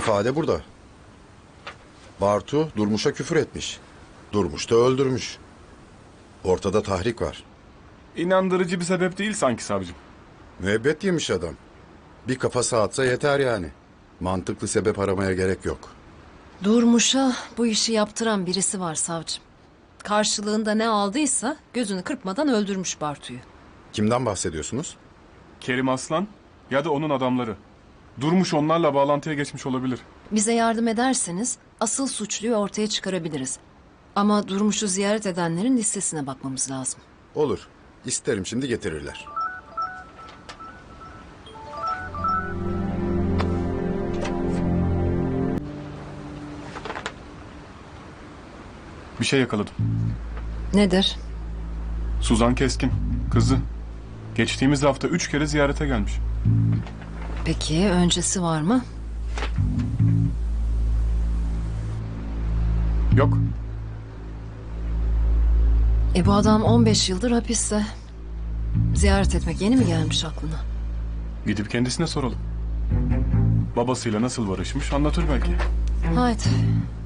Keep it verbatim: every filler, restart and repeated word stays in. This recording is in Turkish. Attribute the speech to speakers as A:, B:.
A: İfade burada. Bartu Durmuş'a küfür etmiş. Durmuş da öldürmüş. Ortada tahrik var.
B: İnandırıcı bir sebep değil sanki savcım.
A: Müebbet yemiş adam. Bir kafa sağatsa yeter yani. Mantıklı sebep aramaya gerek yok.
C: Durmuş'a bu işi yaptıran birisi var savcım. Karşılığında ne aldıysa gözünü kırpmadan öldürmüş Bartu'yu.
A: Kimden bahsediyorsunuz?
B: Kerim Aslan ya da onun adamları. Durmuş onlarla bağlantıya geçmiş olabilir.
C: Bize yardım ederseniz asıl suçluyu ortaya çıkarabiliriz. Ama Durmuş'u ziyaret edenlerin listesine bakmamız lazım.
A: Olur. İsterim, şimdi getirirler.
B: Bir şey yakaladım.
C: Nedir?
B: Suzan Keskin, kızı. Geçtiğimiz hafta üç kere ziyarete gelmiş.
C: Peki öncesi var mı?
B: Yok.
C: E bu adam on beş yıldır hapiste. Ziyaret etmek yeni mi gelmiş aklına?
B: Gidip kendisine soralım. Babasıyla nasıl barışmış anlatır belki.
C: Haydi.